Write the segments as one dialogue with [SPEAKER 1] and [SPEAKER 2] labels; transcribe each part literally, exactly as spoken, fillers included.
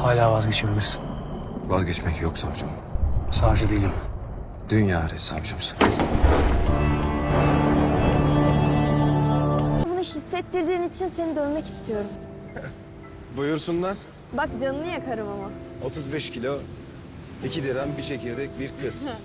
[SPEAKER 1] Hala vazgeçebilirsin.
[SPEAKER 2] Vazgeçmek yok savcım.
[SPEAKER 1] Savcı değilim.
[SPEAKER 2] Dünya savcımsın.
[SPEAKER 3] Bunu hissettirdiğin için seni dövmek istiyorum.
[SPEAKER 2] Buyursunlar.
[SPEAKER 3] Bak canını yakarım ama.
[SPEAKER 2] otuz beş kilo, iki dirhem, bir çekirdek, bir kız.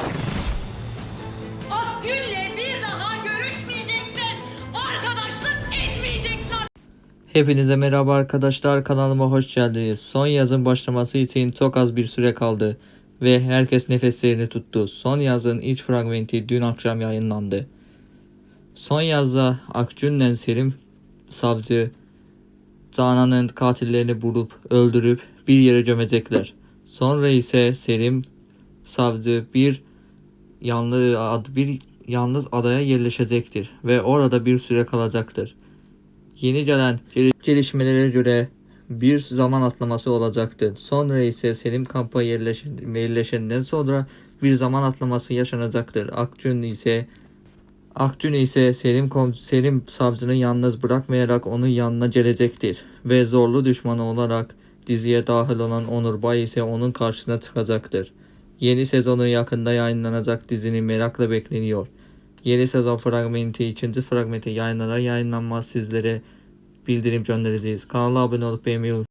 [SPEAKER 4] Akgül'le bir daha görüşmeyeceksin. Arkadaşlık etmeyeceksin.
[SPEAKER 5] Hepinize merhaba arkadaşlar, kanalıma hoş geldiniz. Son yazın başlaması için çok az bir süre kaldı ve herkes nefeslerini tuttu. Son yazın ilk fragmenti dün akşam yayınlandı. Son yazda Akgün'le Selim savcı Canan'ın katillerini bulup öldürüp bir yere gömecekler. Sonra ise Selim savcı bir yanlı bir yalnız adaya yerleşecektir ve orada bir süre kalacaktır. Yeni gelen gelişmelere göre bir zaman atlaması olacaktır. Sonra ise Selim kampa yerleşenden sonra bir zaman atlaması yaşanacaktır. Akgün ise Akgün ise Selim, Selim savcını yalnız bırakmayarak onun yanına gelecektir. Ve zorlu düşmanı olarak diziye dahil olan Onur Bay ise onun karşısına çıkacaktır. Yeni sezonu yakında yayınlanacak dizinin merakla bekleniyor. Yeni sezon fragmenti, ikinci fragmenti yayınlanar yayınlanmaz sizlere bildirim göndereceğiz. Kanala abone olup beğenmeyi unutmayın.